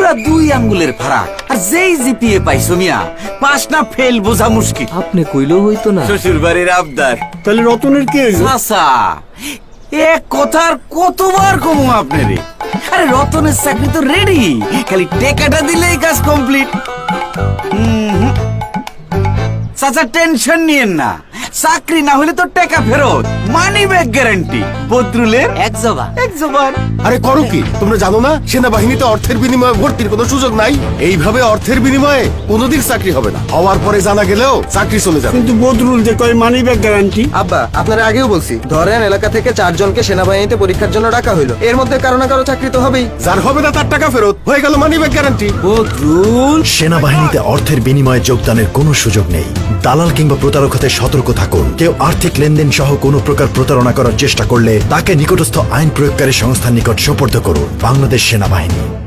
পুরা 2 আঙ্গুলের ফারাক। আর যেই জিপিএ পাইছো মিয়া, পাস না ফেল বোঝা মুশকিল। আপনি কইলেও হইতো না। শ্বশুর বাড়ির আবদার। তাহলে রতনের কি হইলো? চাচা, এক কথার কতবার কমু আপনারে। আরে রতনের চাকরি তো রেডি, খালি টেকাটা দিলেই কাজ কমপ্লিট। চাচা টেনশন নিয়েন না, চাকরি না হলে তো টাকা ফেরত, মানি ব্যাক গ্যারান্টি। বদরুলের এক জবান। এক জবান। আরে করো কি তোমরা জানো না সেনাবাহিনীতে অর্থের বিনিময়ে ভর্তির কোনো সুযোগ নাই? এইভাবে অর্থের বিনিময়ে কোনোদিন চাকরি হবে না, হওয়ার পরে জানা গেলেও চাকরি চলে যাবে। কিন্তু বদরুল যে কয় মানি ব্যাক গ্যারান্টি। আব্বা আপনারা আগেও বলছি, ধরেন এলাকা থেকে 4 জনকে সেনাবাহিনীতে পরীক্ষার জন্য ডাকা হইলো, এর মধ্যে কারো না কারো চাকরি তো হবেই। যার হবে না তার টাকা ফেরত হয়ে গেল মানি ব্যাক গ্যারান্টি। বদরুল, সেনাবাহিনীতে অর্থের বিনিময়ে যোগদানের কোনো সুযোগ নেই। দালাল কিংবা প্রতারক হতে সতর্ক থাকুন। কেউ আর্থিক লেনদেন সহ কোনো প্রকার প্রতারণা করার চেষ্টা করলে তাকে নিকটস্থ আইন প্রয়োগকারী সংস্থার নিকট সোপর্দ করুন। বাংলাদেশ সেনাবাহিনী।